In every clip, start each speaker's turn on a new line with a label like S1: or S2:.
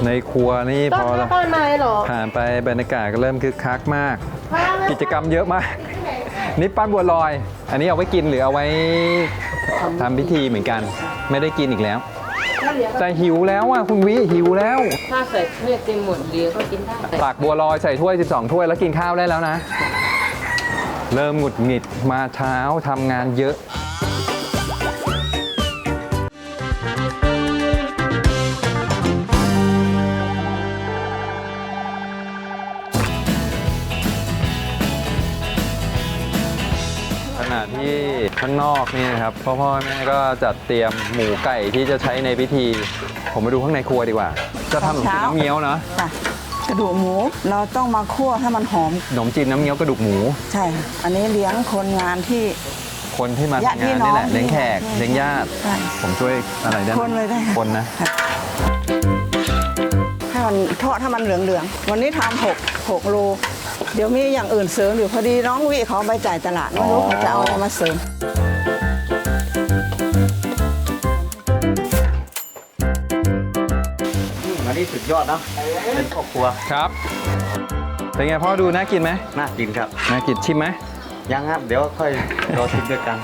S1: ในครัวนี่พอ
S2: ต้นไม้เหรอ
S1: ผ่านไปบรรยากาศก็เริ่มคึกคักมาก กิจกรรมเยอะมากนี่ปั้นบัวลอย อันนี้เอาไว้กินหรือเอาไว้ทำพิธีเหมือนกัน ไม่ได้กินอีกแล้วแต่หิวแล้วอ่ะคุณวิหิวแล้ว
S2: ถ้าใส่ถ้วยเต็มหมดเดียวก็กินได้
S1: ตักบัวลอยใส่ถ้วย12ถ้วยแล้วกินข้าวได้แล้วนะ เริ่มหงุดหงิดมาเช้าทำงานเยอะขณะที่ข้างนอกนี่นะครับพ่อแม่ก็จัดเตรียมหมูไก่ที่จะใช้ในพิธีผมมาดูข้างในครัวดีกว่า จะทำขนมจีนน้ำเงี้ยวเนาะ
S3: กระดูกหมูเราต้องมาคั่วให้มันหอม
S1: ขนมจีนน้ำเงี้ยวกระดูกหมู
S3: ใช่ค่ะอันนี้เลี้ยงคนงานที่
S1: คนที่มาทำงานนี่แหละเลี้ยงแขกเลี้ยงญาติ
S3: ใช่
S1: ผมช่วยอะไรได้ไหม
S3: คนเลยได้ค่ะ
S1: คนนะ
S3: ให้มันทอดให้มันเหลืองๆวันนี้ทำ6โลเดี๋ยวมีอย่างอื่นเสริมอยู่พอดีน้องวิเขาไปจ่ายตลาดไม่รู้เขาจะเอาอะไรมาเสริม
S4: อันนี้สุดยอดนะเป็นครอบครัว
S1: ครับเป็นไงพ่อดูน่ากินไหม
S4: น่ากินครับ
S1: น่ากินชิมไหม
S4: ยังครับ เดี๋ยวค่อยรอชิมด้วยกัน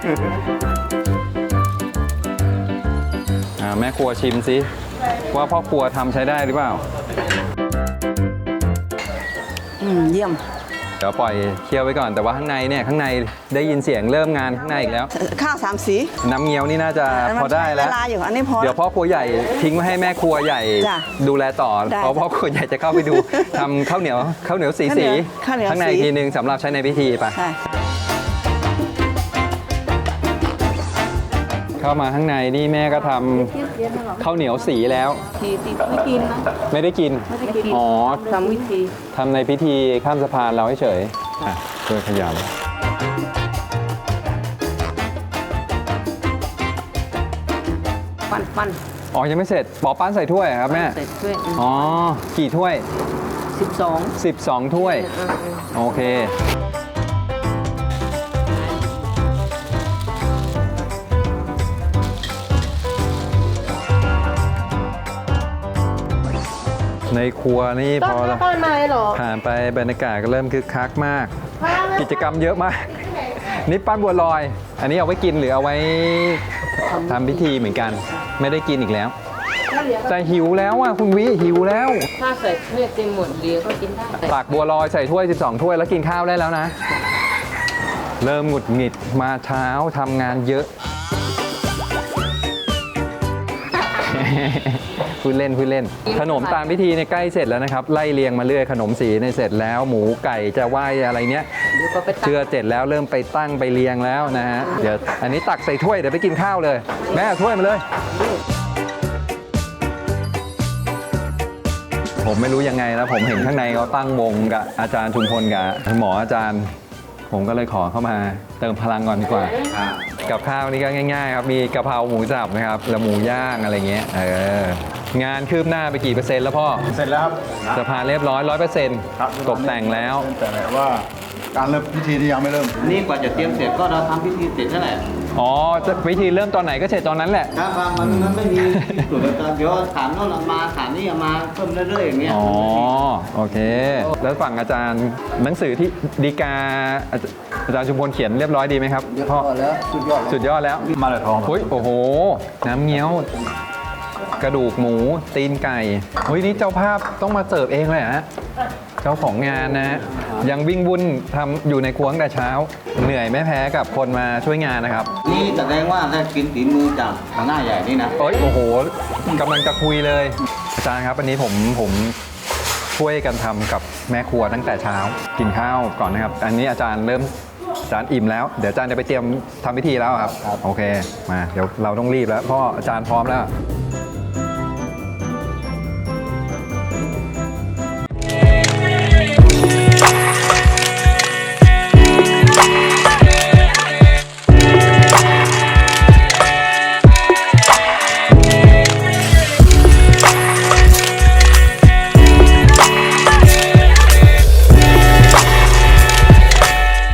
S1: แม่ครัวชิมสิว่าพ่อครัวทำใช้ได้หรือเปล่า
S3: เยี่ยม
S1: เดี๋ยวปล่อยเคี่ยวไว้ก่อนแต่ว่าข้างในเนี่ยข้างในได้ยินเสียงเริ่มงานข้างในอีกแล้ว
S3: ข้าว3 สี
S1: น้ำเงี้ยวนี่น่าจะพอได้แล้ว
S3: เวลาอยู่อันนี้พอ
S1: เดี๋ยวพ่อครัวใหญ่ทิ้งไว้ให้แม่ครัวใหญ่
S3: จ้ะ
S1: ดูแลต่อ
S3: ได้
S1: เพราะพ่อครัวใหญ่จะเข้าไปดู ทำข้าวเหนียวสี
S3: ข้าวเหนียว
S1: ข้างใน
S3: สี
S1: ทีนึงสำหรับใช้ในพิธีไป
S3: ใช่
S1: เข้ามาข้างในนี่แม่ก็ทำข้าวเหนียวสีแล้ว
S2: ทีติดไม่กินนะ
S1: ไม่ได้กิน
S2: ไม่ได้กิน
S1: อ๋อ
S2: ทำวิธี
S1: ทำในพิธีข้ามสะพานเราเฉยอ่ะช่วยขยำ
S2: ปั้น
S1: อ๋อยังไม่เสร็จปอปั้นใส่ถ้วยครับแม่
S2: ใส่ถ้วย
S1: อ๋อกี่ถ้วย
S2: 12
S1: 12 ถ้วย โอเค ในครัวนี่พอ
S2: ต้นไม้เหรอ
S1: ผ่านไปบรรยากาศก็เริ่มคึกคักมาก กิจกรรมเยอะมากนี่ปั้นบัวลอย อันนี้เอาไว้กินหรือเอาไว้ทำพิธีเหมือนกัน ไม่ได้กินอีกแล้วแต่หิวแล้วอ่ะคุณวิหิวแล้ว
S2: ถ้าใส่ถ้วยเต็มหมดเดียวก็กินได้
S1: ตักบัวลอยใส่ถ้วย12ถ้วยแล้วกินข้าวได้แล้วนะ เริ่มหงุดหงิดมาเช้าทำงานเยอะ พูดเล่นขนมตามพิธีเนี่ยใกล้เสร็จแล้วนะครับไล่เรียงมาเรื่อยขนมสีเนี่ยเสร็จแล้วหมูไก่จะไหวอะไรเนี้ย
S2: เดี๋ยวก็ไปตั
S1: เชื่อเสร็จแล้วเริ่มไปตั้งไปเรียงแล้วนะฮะเดี๋ยวอันนี้ตักใส่ถ้วยเดี๋ยวไปกินข้าวเลยแม่เอาถ้วยมาเลย ผมไม่รู้ยังไงนะผมเห็นข้างในเขาตั้งวงกับอาจารย์ชุมพลกับหมออาจารย์ ผมก็เลยขอเข้ามาเติมพลังก่อนดีกว่า กับข้าวนี่ก็ง่ายๆครับมีกะเพราหมูสับนะครับแล้วหมูย่างอะไรเงี้ยงานคืบหน้าไปกี่เปอร์เซ็นต์แล้วพ่อ
S5: เสร็จแล้วครับ
S1: สะพานเรียบร้อย
S5: ครับ
S1: 100%ตกแต่งแล้ว
S5: แต่ว่าการเริ่มพิธีที่ยังไม่เริ่ม
S4: นี่กว่าจะเตรียมเสร็จก็เราทำพิธีเสร็จนั่นแหละ
S1: อ๋อวิธีเริ่มตอนไหนก็เสร็จตอนนั้นแหละ
S4: ครับมันไม่มีส่วนประกอบเดี๋ยวถามโน่นมาถามนี่มาเพิ่มเรื่อยๆอย่างเงี้ย
S1: อ๋อโอเค แล้วฝั่งอาจารย์หนังสือที่ดีกาอาจารย์ชุมพลเขียนเรียบร้อยดีไหมครับพ่อ
S4: แล้วสุดยอด
S1: สุดยอดแล้ว
S5: มาเลยทอง
S1: เฮ้ยโอ้โห น้ำเงี้ยว กระดูกหมู ตีนไก่เฮ้ยนี่เจ้าภาพต้องมาเสิร์ฟเองเลยเหรอฮะเจ้าของงานนะ ยังวิ่งวุ่นทำอยู่ในครัวตั้งแต่เช้า เหนื่อยไม่แพ้กับคนมาช่วยงานนะครับ
S4: นี่แสดงว่าได้กินฝีมือจากหัวหน้าใหญ่นี่นะ
S1: เอ้ยโอ้โหกำลังจะคุยเลย อาจารย์ครับอันนี้ผมช่วยกันทำกับแม่ครัวตั้งแต่เช้ากินข้าวก่อนนะครับ อันนี้อาจารย์อิ่มแล้ว เดี๋ยวอาจารย์จะไปเตรียมทำพิธีแล้วครับ โอเคมาเดี๋ยวเราต้องรีบแล้วเพราะอาจารย์พร้อมแล้ว